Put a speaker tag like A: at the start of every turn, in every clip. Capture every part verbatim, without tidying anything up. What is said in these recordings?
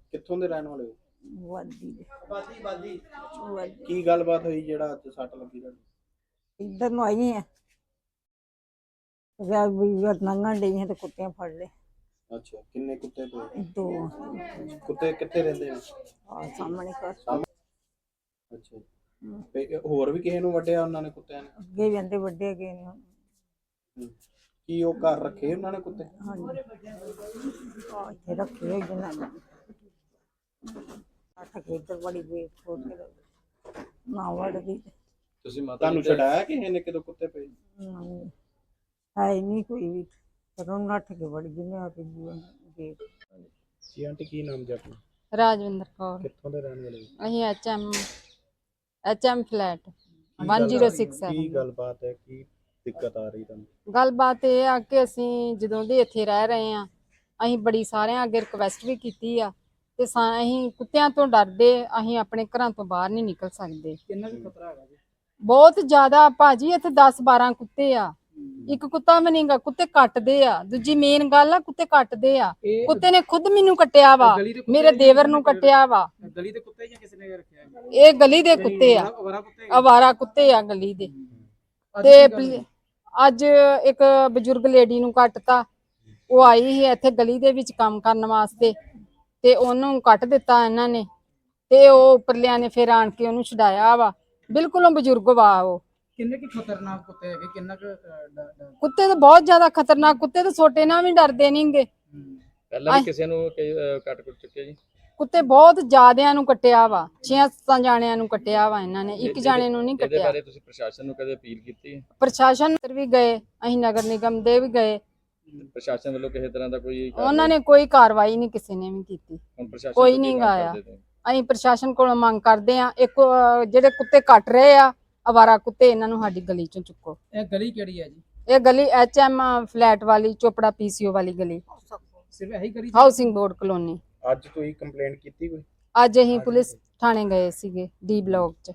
A: ਕਿੱਥੋਂ ਦੇ ਰਹਿਣ ਵਾਲੇ ਹੋ?
B: ਵਾਦੀ ਦੇ
A: ਬਾਦੀ ਬਾਦੀ
B: ਵਾਦੀ
A: ਕੀ ਗੱਲਬਾਤ ਹੋਈ ਜਿਹੜਾ ਅੱਜ ਸੱਟ ਲੱਗੀ ਤੁਹਾਨੂੰ?
B: ਇੱਧਰ ਨੂੰ ਆਈ ਆ ਵਿਆਹ ਵੀ ਨੰਗਣ ਡਈ ਹੈ ਤੇ ਕੁੱਤਿਆਂ ਫੜ ਲਏ।
A: ਅੱਛਾ, ਕਿੰਨੇ ਕੁੱਤੇ ਪਏ?
B: ਦੋ
A: ਕੁੱਤੇ ਕਿੱਥੇ ਰਹਿੰਦੇ ਆ?
B: ਆ ਸਾਹਮਣੇ ਘਰ
A: ਅੱਛਾ, ਤੇ ਹੋਰ ਵੀ ਕਿਸੇ ਨੂੰ ਵੱਢਿਆ ਉਹਨਾਂ ਨੇ ਕੁੱਤਿਆਂ ਨੇ?
B: ਅੱਗੇ ਵੀ ਆਂਦੇ ਵੱਡੇ ਗਏ ਨੇ।
A: ਹੂੰ। ਕੀ ਉਹ ਘਰ ਰੱਖੇ ਉਹਨਾਂ ਨੇ ਕੁੱਤੇ?
B: ਹਾਂਜੀ ਆ ਇੱਥੇ ਰੱਖੇ ਹੋਏ ਜਨਾਂ ਨੇ ਅੱਠ ਕੇ ਇੱਧਰ ਬੜੀ ਵੇਖ ਖੋਲ ਕੇ ਨਾ ਵੜਦੀ
A: ਤੁਸੀਂ ਮਾਤਾ ਤੁਹਾਨੂੰ ਛਡਾਇਆ ਕਿਸੇ ਨੇ ਕਿਦੋਂ ਕੁੱਤੇ ਪਏ?
B: ਨਹੀਂ ਹੈ ਹੀ ਨਹੀਂ ਕੋਈ ਵੀ ਪਰ ਉਹ ਨੱਠ ਕੇ ਵੜ ਗਈ ਮੈਂ ਆ ਕੇ ਗੇਟ।
A: ਜੀ ਆਂਟੀ, ਕੀ ਨਾਮ ਜੀ ਆਪਣਾ?
C: ਰਾਜਵਿੰਦਰ ਕੌਰ।
A: ਕਿੱਥੋਂ ਦੇ ਰਹਿਣ ਵਾਲੇ?
C: ਅਸੀਂ ਐਚਐਮ ਐਚਐਮ ਫਲੈਟ ਇੱਕ ਜ਼ੀਰੋ ਛੇ ਸੱਤ।
A: ਕੀ ਗੱਲਬਾਤ ਹੈ, ਕੀ ਦਿੱਕਤ ਆ ਰਹੀ ਤੁਹਾਨੂੰ?
C: ਗੱਲਬਾਤ ਇਹ ਆ ਕਿ ਅਸੀਂ ਜਦੋਂ ਦੇ ਇੱਥੇ ਰਹਿ ਰਹੇ ਆ ਅਸੀਂ ਬੜੀ ਸਾਰਿਆਂ ਅੱਗੇ ਰਿਕਵੈਸਟ ਵੀ ਕੀਤੀ ਆ ਤੇ ਅਸੀਂ ਕੁੱਤਿਆਂ ਤੋਂ ਡਰਦੇ ਅਸੀਂ ਆਪਣੇ ਘਰਾਂ ਤੋਂ ਬਾਹਰ ਨਹੀਂ ਨਿਕਲ ਸਕਦੇ।
A: ਕਿੰਨਾ ਕੁ ਖਤਰਾ ਹੈਗਾ ਜੀ?
C: ਬਹੁਤ ਜ਼ਿਆਦਾ ਭਾਜੀ, ਇੱਥੇ ਦਸ ਬਾਰਾਂ ਕੁੱਤੇ ਆ, ਇੱਕ ਕੁੱਤਾ ਵੀ ਨਹੀਂਗਾ, ਕੁੱਤੇ ਕੱਟਦੇ ਆ। ਦੂਜੀ ਮੇਨ ਗੱਲ ਆ ਕੁੱਤੇ ਕੱਟਦੇ ਆ। ਕੁੱਤੇ ਨੇ ਖੁਦ ਮੈਨੂੰ ਕੱਟਿਆ ਵਾ, ਮੇਰੇ ਦੇਵਰ ਨੂੰ ਕੱਟਿਆ ਵਾ।
A: ਗਲੀ ਦੇ ਕੁੱਤੇ ਜਾਂ ਕਿਸੇ ਨੇ ਰੱਖਿਆ?
C: ਇਹ ਗਲੀ ਦੇ ਕੁੱਤੇ ਆ, ਅਵਾਰਾ ਕੁੱਤੇ ਆ ਗਲੀ ਦੇ। ਤੇ ਅੱਜ ਇੱਕ ਬਜ਼ੁਰਗ ਲੇਡੀ ਨੂੰ ਕੱਟਤਾ, ਉਹ ਆਈ ਸੀ ਇੱਥੇ ਗਲੀ ਦੇ ਵਿੱਚ ਕੰਮ ਕਰਨ ਵਾਸਤੇ ਤੇ ਉਹਨੂੰ ਕੱਟ ਦਿੱਤਾ ਇਹਨਾਂ ਨੇ ਤੇ ਉਹ ਉੱਪਰਲਿਆਂ ਨੇ ਫਿਰ ਆਣ ਕੇ ਉਹਨੂੰ ਛਡਾਇਆ ਵਾ। ਬਿਲਕੁਲ ਉਹ ਬਜ਼ੁਰਗ ਵਾ। ਉਹ
D: ਕਿੰਨੇ ਕੀ ਖਤਰਨਾਕ ਕੁੱਤੇ ਹੈਗੇ? ਕਿੰਨਾ ਕੁ
C: ਕੁੱਤੇ ਤਾਂ ਬਹੁਤ ਜ਼ਿਆਦਾ ਖਤਰਨਾਕ ਕੁੱਤੇ ਤਾਂ ਛੋਟੇ ਨਾਲ ਵੀ ਡਰਦੇ ਨਹੀਂਗੇ।
E: ਪਹਿਲਾਂ ਵੀ ਕਿਸੇ ਨੂੰ ਕੱਟ ਕੁੱਟ ਚੁੱਕੇ ਜੀ?
C: ਕੁੱਤੇ ਬਹੁਤ ਜ਼ਿਆਦਿਆਂ ਨੂੰ ਕੱਟਿਆ ਵਾ, ਛੇ ਸੱਤ ਜਾਣਿਆਂ ਨੂੰ ਕੱਟਿਆ ਵਾ ਇਹਨਾਂ ਨੇ, ਇੱਕ ਜਾਣੇ ਨੂੰ ਨਹੀਂ
E: ਇਹਦੇ
C: ਕੱਟਿਆ।
E: ਬਾਰੇ ਤੁਸੀਂ ਪ੍ਰਸ਼ਾਸਨ ਨੂੰ ਕਦੇ ਅਪੀਲ ਕੀਤੀ ਹੈ?
C: ਪ੍ਰਸ਼ਾਸਨ ਵੀ ਗਏ, ਅਸੀਂ ਨਗਰ ਨਿਗਮ ਦੇ ਵੀ ਗਏ,
E: ਪ੍ਰਸ਼ਾਸਨ ਵੱਲੋਂ ਕਿਸੇ ਤਰ੍ਹਾਂ ਦਾ ਕੋਈ
C: ਉਹਨਾਂ ਨੇ ਕੋਈ ਕਾਰਵਾਈ ਨਹੀਂ ਕਿਸੇ ਨੇ ਵੀ ਕੀਤੀ।
E: ਹੁਣ ਪ੍ਰਸ਼ਾਸਨ
C: ਕੋਈ
E: ਤੋਂ ਕੀ
C: ਨਹੀਂ
E: ਮੰਗ
C: ਗਾਇਆ।
E: ਕਰਦੇ ਤੁਸੀਂ?
C: ਅਸੀਂ ਪ੍ਰਸ਼ਾਸਨ ਕੋਲੋਂ ਮੰਗ ਕਰਦੇ ਆ, ਇੱਕ ਅਹ, ਜਿਹੜੇ ਕੁੱਤੇ ਕੱਟ ਰਹੇ ਆ ਅਵਾਰਾ ਕੁੱਤੇ, ਇਹਨਾਂ ਨੂੰ ਸਾਡੀ ਗਲੀ ਚੋਂ ਚੁੱਕੋ।
D: ਇਹ ਗਲੀ ਕਿਹੜੀ ਹੈ ਜੀ?
C: ਇਹ ਗਲੀ ਐਚਐਮ ਫਲੈਟ ਵਾਲੀ, ਚੋਪੜਾ ਪੀਸੀਓ ਵਾਲੀ ਗਲੀ,
D: ਸਿਰਫ ਇਹੀ ਗਲੀ?
C: Housing board colony.
A: ਅੱਜ ਤੁਸੀਂ ਕੰਪਲੇਂਟ ਕੀਤੀ ਕੋਈ?
C: ਅੱਜ ਅਸੀਂ ਪੁਲਿਸ ਥਾਣੇ ਗਏ ਸੀਗੇ ਡੀ ਬਲਾਕ ਚ।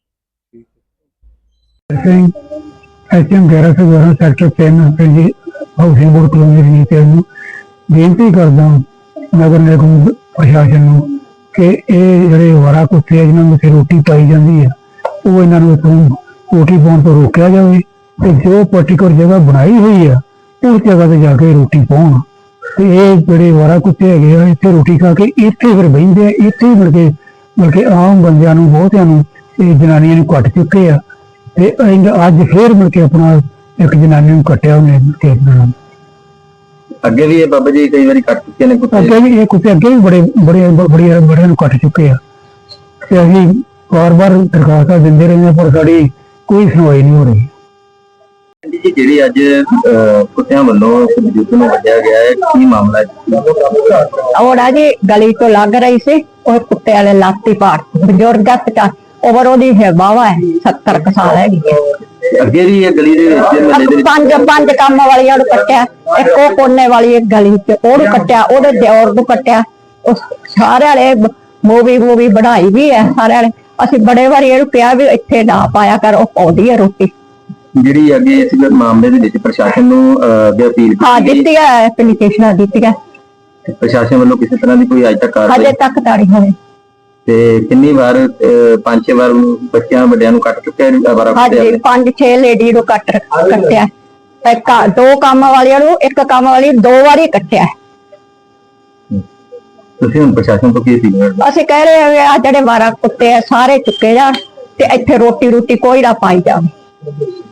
F: ਐਚਐਮ ਗਿਆਰਾਂ ਸੌ ਬਾਰਾਂ ਸੈਕਟਰ ਤਿੰਨ ਪਿੰਡ ਹਾਊਸਿੰਗ ਬੋਰਡ ਕਲੋਨੀ ਦੀ ਨੀਤੀ ਨੂੰ ਬੇਨਤੀ ਕਰਦਾ ਨਗਰ ਨਿਗਮ ਪ੍ਰਸ਼ਾਸਨ ਨੂੰ ਕਿ ਇਹ ਜਿਹੜੇ ਅਵਾਰਾ ਕੁੱਤੇ ਆ ਜਿਨ੍ਹਾਂ ਨੂੰ ਇੱਥੇ ਰੋਟੀ ਪਾਈ ਜਾਂਦੀ ਹੈ ਉਹ ਇਹਨਾਂ ਨੂੰ ਇੱਥੋਂ ਰੋਟੀ ਪਾਉਣ ਤੋਂ ਰੋਕਿਆ ਜਾਵੇ ਤੇ ਜੋ ਪਾਰਟੀਕੂਲਰ ਜਗ੍ਹਾ ਬਣਾਈ ਹੋਈ ਆ ਉਸ ਜਗ੍ਹਾ ਤੇ ਜਾ ਕੇ ਰੋਟੀ ਪਾਉਣ। ਤੇ ਇਹ ਜਿਹੜੇ ਅਵਾਰਾ ਕੁੱਤੇ ਹੈਗੇ ਆ ਇੱਥੇ ਰੋਟੀ ਖਾ ਕੇ ਇੱਥੇ ਫਿਰ ਬਹਿੰਦੇ ਆ, ਇੱਥੇ ਹੀ ਮਿਲ ਕੇ ਮਿਲ ਕੇ ਆਮ ਬੰਦਿਆਂ ਨੂੰ ਬਹੁਤਿਆਂ ਨੂੰ ਇਹ ਜਨਾਨੀਆਂ ਨੂੰ ਕੱਟ ਚੁੱਕੇ ਆ ਤੇ ਅੱਜ ਫੇਰ ਮਿਲ ਕੇ ਆਪਣਾ ਇੱਕ ਜਨਾਨੀ ਨੂੰ ਕੱਟਿਆ ਉਹਨੇ ਤੇ ਆਪਣਾ।
G: ਅੱਗੇ ਵੀ ਇਹ ਬਾਬਾ ਜੀ ਕਈ ਵਾਰੀ ਕੱਟ ਚੁੱਕੇ ਨੇ ਕੁੱਤੇ?
F: ਅੱਗੇ ਵੀ ਇਹ ਕੁੱਤੇ ਅੱਗੇ ਵੀ ਬੜੇ ਬੜੇ ਬੜੇ ਬੜਿਆਂ ਨੂੰ ਕੱਟ ਚੁੱਕੇ ਆ ਤੇ ਅਸੀਂ ਵਾਰ ਵਾਰ ਦਰਖਾਸਤਾਂ ਦਿੰਦੇ ਰਹੇ ਪਰ ਸਾਡੀ ਕੋਈ ਸੁਣਵਾਈ ਨਹੀਂ ਹੋ ਰਹੀ।
G: ਜੀ ਜਿਹੜੀ ਅੱਜ ਕੁੱਤਿਆਂ ਵੱਲੋਂ ਬਜ਼ੁਰਗ ਨੂੰ ਵੱਢਿਆ ਗਿਆ ਹੈ, ਕੀ ਮਾਮਲਾ ਹੈ?
H: ਔੜਾ ਜੀ ਗਲੀ ਤੋਂ ਲੰਘ ਰਹੀ ਸੀ, ਉਹ ਕੁੱਤੇ ਵਾਲੇ ਲਾਤੀ ਪਾੜ ਬਜ਼ੁਰਗ ਦਾ ਉਮਰ ਉਹਦੀ ਹੈ ਬਾਵਾ ਹੈ ਸੱਤਰ ਕੁ ਸਾਲ ਹੈਗੀ।
G: ਅੱਗੇ ਵੀ ਇਹ ਗਲੀ ਦੇ ਵਿੱਚ ਮਹੱਲੇ ਦੇ ਵਿੱਚ
H: ਪੰਜ ਪੰਜ ਕੰਮ ਵਾਲੀਆਂ ਨੂੰ ਕੱਟਿਆ, ਇੱਕ ਉਹ ਕੋਨੇ ਵਾਲੀ ਇੱਕ ਗਲੀ ਚ ਉਹਨੂੰ ਕੱਟਿਆ, ਉਹਦੇ ਦਿਓਰ ਨੂੰ ਕੱਟਿਆ। ਉਹ ਸਾਰੇ ਵਾਲੇ ਮੂਵੀ ਮੂਵੀ ਬਣਾਈ ਵੀ ਹੈ ਸਾਰੇ ਵਾਲੇ। ਅਸੀਂ ਬੜੇ ਵਾਰੀ ਇਹਨੂੰ ਕਿਹਾ ਵੀ ਇੱਥੇ ਨਾ ਪਾਇਆ ਕਰ, ਉਹ ਪਾਉਂਦੀ ਹੈ ਰੋਟੀ।
G: ਜਿਹੜੀ ਅੱਗੇ ਇਸ ਮਾਮਲੇ ਦੇ ਵਿੱਚ ਪ੍ਰਸ਼ਾਸਨ ਨੂੰ ਅੱਗੇ ਅਪੀਲ
H: ਹਾਂ
G: ਕੀਤੀ
H: ਦਿੱਤੀ ਹੈ, ਐਪਲੀਕੇਸ਼ਨਾਂ ਦਿੱਤੀਆਂ,
G: ਪ੍ਰਸ਼ਾਸਨ ਵੱਲੋਂ ਕਿਸੇ ਤਰ੍ਹਾਂ ਦੀ ਕੋਈ ਅੱਜ ਤੱਕ ਕਾਰਵਾਈ?
H: ਹਜੇ ਤੱਕ ਤਾਂ ਨਹੀਂ ਹੋਈ।
G: ਤੇ ਕਿੰਨੀ ਵਾਰ ਪੰਜ ਛੇ ਵਾਰ ਬੱਚਿਆਂ ਵੱਡਿਆਂ ਨੂੰ ਕੱਟ ਚੁੱਕਿਆ ਅਵਾਰਾ ਕੁੱਤੇ?
H: ਹਾਂਜੀ ਪੰਜ ਛੇ ਲੇਡੀ ਨੂੰ ਕੱਟ ਕੱਟਿਆ, ਇੱਕ ਦੋ ਕੰਮ ਵਾਲੀਆਂ ਨੂੰ, ਇੱਕ ਕੰਮ ਵਾਲੀ ਦੋ ਵਾਰੀ ਕੱਟਿਆ।
G: ਤੁਸੀਂ ਹੁਣ ਪ੍ਰਸ਼ਾਸਨ ਤੋਂ ਕੀ ਅਪੀਲ ਕਰਦੇ?
H: ਅਸੀਂ ਕਹਿ ਰਹੇ ਹਾਂ ਆ ਜਿਹੜੇ ਅਵਾਰਾ ਕੁੱਤੇ ਆ ਸਾਰੇ ਚੁੱਕੇ ਜਾਣ ਤੇ ਇੱਥੇ ਰੋਟੀ ਰੋਟੀ ਕੋਈ ਨਾ ਪਾਈ ਜਾਵੇ।